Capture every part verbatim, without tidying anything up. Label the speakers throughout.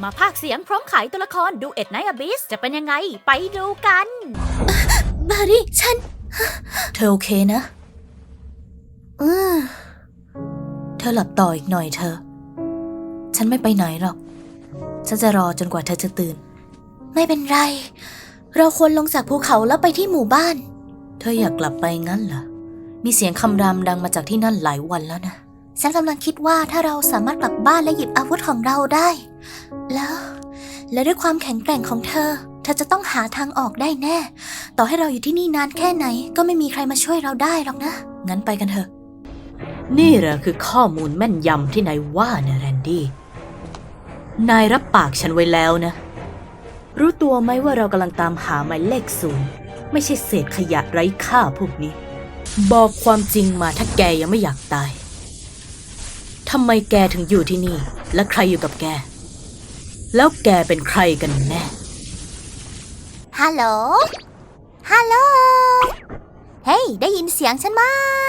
Speaker 1: มาพากย์เสียงพร้อมขายตัวละครดูเอ็ดไนท์อบิสจะเป็นยังไงไปดูกัน
Speaker 2: บารี่ฉันเธอโอเคนะอืมเธอหลับต่ออีกหน่อยเธอฉันไม่ไปไหนหรอกฉันจะรอจนกว่าเธอจะตื่นไม่เป็นไรเราควรลงจากภูเขาแล้วไปที่หมู่บ้านเธออยากกลับไปงั้นเหรอมีเสียงคำรามดังมาจากที่นั่นหลายวันแล้วนะฉันกำลังคิดว่าถ้าเราสามารถกลับบ้านและหยิบอาวุธของเราได้แล้วและด้วยความแข็งแกร่งของเธอเธอจะต้องหาทางออกได้แน่ต่อให้เราอยู่ที่นี่นานแค่ไหนก็ไม่มีใครมาช่วยเราได้หรอกนะงั้นไปกันเถอะ
Speaker 3: นี่แหละคือข้อมูลแม่นยำที่นายว่านะแรนดี้นายรับปากฉันไว้แล้วนะรู้ตัวไหมว่าเรากำลังตามหาหมายเลขศูนย์ไม่ใช่เศษขยะไร้ค่าพวกนี้บอกความจริงมาถ้าแกยังไม่อยากตายทำไมแกถึงอยู่ที่นี่และใครอยู่กับแกแล้วแกเป็นใครกันแน่
Speaker 2: ฮัลโหลฮัลโหลเฮ้ยได้ยินเสียงฉันไหม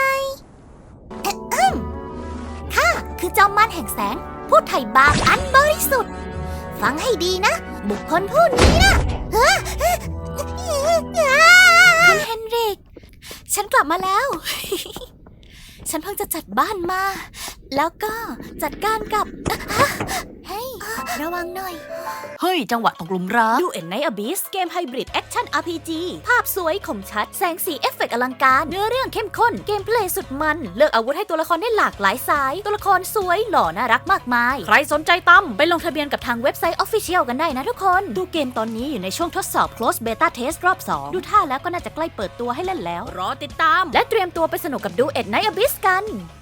Speaker 2: ข้าคือจอมมารแห่งแสงผู้ไถ่บาปอันบริสุทธิ์ฟังให้ดีนะบุคคลผู้นี้นะคุณเฮนริกฉันกลับมาแล้ว ฉันเพิ่งจะจัดบ้านมาแล้วก็จัดการกับเฮ้ยระวังหน่อย
Speaker 1: เฮ้ยจังหวะตกหลุมรักดูเอ็ดไนท์อบิสเกมไฮบริดแอคชั่น อาร์ พี จี ภาพสวยคมชัดแสงสีเอฟเฟกต์อลังการเนื้อเรื่องเข้มข้นเกมเพลย์สุดมันเลือกอาวุธให้ตัวละครได้หลากหลายสายตัวละครสวยหล่อน่ารักมากมายใครสนใจตั้มไปลงทะเบียนกับทางเว็บไซต์ Official กันได้นะทุกคนดูเกมตอนนี้อยู่ในช่วงทดสอบ Close Beta Test รอบสองดูท่าแล้วก็น่าจะใกล้เปิดตัวให้เล่นแล้วรอติดตามและเตรียมตัวไปสนุกกับดูเอ็ดไนท์อบิสกัน